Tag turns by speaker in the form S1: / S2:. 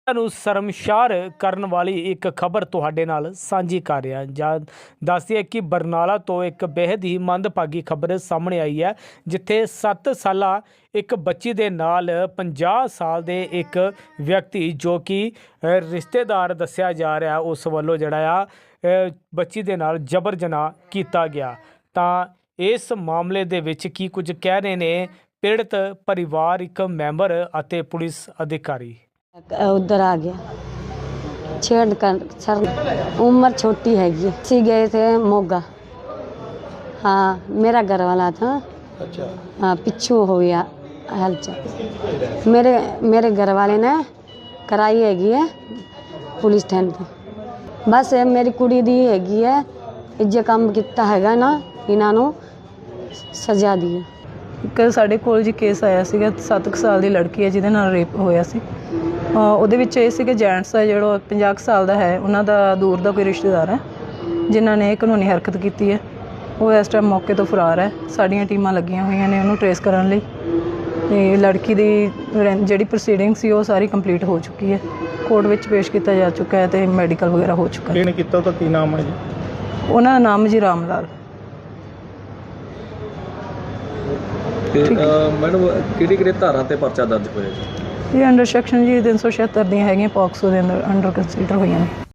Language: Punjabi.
S1: ਨੂੰ ਸ਼ਰਮਸ਼ਾਰ ਕਰਨ ਵਾਲੀ ਇੱਕ ਖਬਰ ਤੁਹਾਡੇ ਨਾਲ ਸਾਂਝੀ ਕਰ ਰਿਹਾ ਜਾਂ ਦੱਸਦੀ ਕਿ ਬਰਨਾਲਾ ਤੋਂ ਇੱਕ ਬੇहद ਹੀ ਮੰਦਭਾਗੀ ਖਬਰ ਸਾਹਮਣੇ ਆਈ ਹੈ, ਜਿੱਥੇ 7 ਸਾਲਾ ਇੱਕ ਬੱਚੀ ਦੇ ਨਾਲ 50 ਸਾਲ ਦੇ ਇੱਕ ਵਿਅਕਤੀ ਜੋ ਕਿ ਰਿਸ਼ਤੇਦਾਰ ਦੱਸਿਆ ਜਾ ਰਿਹਾ, ਉਸ ਵੱਲੋਂ ਜਿਹੜਾ ਆ ਬੱਚੀ ਦੇ ਨਾਲ ਜਬਰ ਜਨਾਹ ਕੀਤਾ ਗਿਆ। ਤਾਂ ਇਸ ਮਾਮਲੇ ਦੇ ਵਿੱਚ ਕੀ ਕੁਝ ਕਹਿ ਰਹੇ ਨੇ ਪੀੜਤ ਪਰਿਵਾਰਿਕ ਮੈਂਬਰ ਅਤੇ ਪੁਲਿਸ ਅਧਿਕਾਰੀ।
S2: उधर आ गया छेड़ कर सर, उम्र छोटी हैगी। सी गए थे मोगा। हाँ, मेरा घर वाला था।
S3: अच्छा।
S2: हाँ, पिछू हो गया हलचल। मेरे घर वाले ने कराई हैगी है पुलिस स्टैंड पे। बस मेरी कुड़ी दी हैगी है, जो काम किया हैगा ना इन्हां नूं सजा दी।
S4: ਇੱਕ ਸਾਡੇ ਕੋਲ ਜੀ ਕੇਸ ਆਇਆ ਸੀਗਾ, 7 ਸਾਲ ਦੀ ਲੜਕੀ ਹੈ ਜਿਹਦੇ ਨਾਲ ਰੇਪ ਹੋਇਆ ਸੀ। ਉਹਦੇ ਵਿੱਚ ਇਹ ਸੀ ਕਿ ਜੈਂਟਸ ਹੈ ਜਿਹੜਾ 50 ਸਾਲ ਦਾ ਹੈ, ਉਹਨਾਂ ਦਾ ਦੂਰ ਦਾ ਕੋਈ ਰਿਸ਼ਤੇਦਾਰ ਹੈ ਜਿਨ੍ਹਾਂ ਨੇ ਕਾਨੂੰਨੀ ਹਰਕਤ ਕੀਤੀ ਹੈ। ਉਹ ਇਸ ਟਾਈਮ ਮੌਕੇ ਤੋਂ ਫਰਾਰ ਹੈ। ਸਾਡੀਆਂ ਟੀਮਾਂ ਲੱਗੀਆਂ ਹੋਈਆਂ ਨੇ ਉਹਨੂੰ ਟਰੇਸ ਕਰਨ ਲਈ। ਤੇ ਲੜਕੀ ਦੀ ਜਿਹੜੀ ਪ੍ਰੋਸੀਡਿੰਗ ਸੀ ਉਹ ਸਾਰੀ ਕੰਪਲੀਟ ਹੋ ਚੁੱਕੀ ਹੈ, ਕੋਰਟ ਵਿੱਚ ਪੇਸ਼ ਕੀਤਾ ਜਾ ਚੁੱਕਾ ਹੈ ਤੇ ਮੈਡੀਕਲ ਵਗੈਰਾ ਹੋ ਚੁੱਕਾ ਹੈ।
S3: ਕਿਹਨੇ ਕੀਤਾ ਉਹਦਾ ਕੀ ਨਾਮ ਹੈ ਜੀ?
S4: ਉਹਨਾਂ ਦਾ ਨਾਮ ਜੀ ਰਾਮ ਲਾਲ।
S5: ਤੇ ਮੈਡਮ ਕਿਹੜੀ ਧਾਰਾ ਤੇ ਪਰਚਾ ਦਰਜ ਹੋਇਆ ਜੀ?
S4: ਇਹ ਅੰਡਰ ਸੈਕਸ਼ਨ ਜੀ 376 ਦੀਆਂ ਹੈਗੀਆਂ, ਪੌਕਸੋ ਦੇ ਅੰਦਰ ਅੰਡਰ ਕੰਸੀਡਰ ਹੋਈਆਂ ਨੇ।